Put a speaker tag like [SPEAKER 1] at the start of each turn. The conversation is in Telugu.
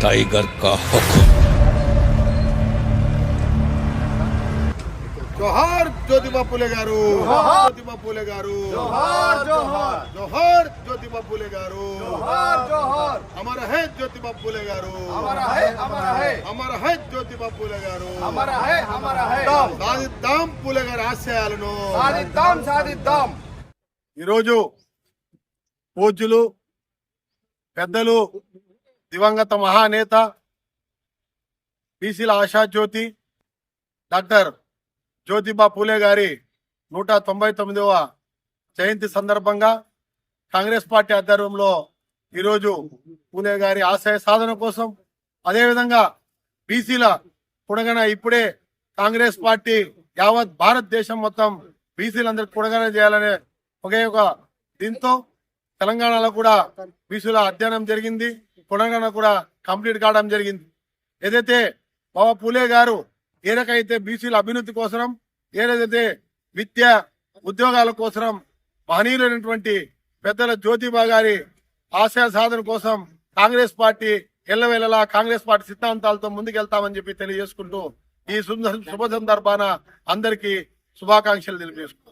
[SPEAKER 1] टाइगर का हुक्म।
[SPEAKER 2] जोहार ज्योतिबा फुले गारू, ज्योतिबा फुले गारू,
[SPEAKER 3] जोहार जोहार
[SPEAKER 2] जोहार ज्योतिबा फुले गारू,
[SPEAKER 3] जोहार जोहार
[SPEAKER 2] अमर है ज्योतिबा फुले गारू,
[SPEAKER 3] हमारा है हमारा है
[SPEAKER 2] अमर है ज्योतिबा फुले गारू,
[SPEAKER 3] हमारा है हमारा है
[SPEAKER 2] సాధిద్దాం ఫులే గారి ఆశయాలను
[SPEAKER 3] సాధిద్దాం సాధిద్దాం
[SPEAKER 2] ఈరోజు పూజ్యులు పెద్దలు దివంగత మహానేత బీసీల ఆశాజ్యోతి డాక్టర్ జ్యోతిబా పూలే గారి 199వ జయంతి సందర్భంగా కాంగ్రెస్ పార్టీ ఆధ్వర్యంలో ఈరోజు పూలే గారి ఆశయ సాధన కోసం, అదేవిధంగా బీసీల కుడగన ఇప్పుడే కాంగ్రెస్ పార్టీ యావత్ భారతదేశం మొత్తం బీసీలందరికీ కుడగన చేయాలనే ఒకే ఒక దీంతో తెలంగాణలో కూడా బీసీల అధ్యయనం జరిగింది, కుడగన కూడా కంప్లీట్ కావడం జరిగింది. ఏదైతే బాబా పూలే గారు ఏ రకైతే బీసీల అభివృద్ధి కోసం, ఏదైతే విద్య ఉద్యోగాల కోసం మహనీయులైనటువంటి పెద్దల జ్యోతిబా గారి ఆశయ సాధన కోసం కాంగ్రెస్ పార్టీ ఎల్లవేళలా కాంగ్రెస్ పార్టీ సిద్ధాంతాలతో ముందుకెళ్తామని చెప్పి తెలియజేసుకుంటూ ఈ శుభ సందర్భాన అందరికీ శుభాకాంక్షలు తెలియజేసుకుంటాం.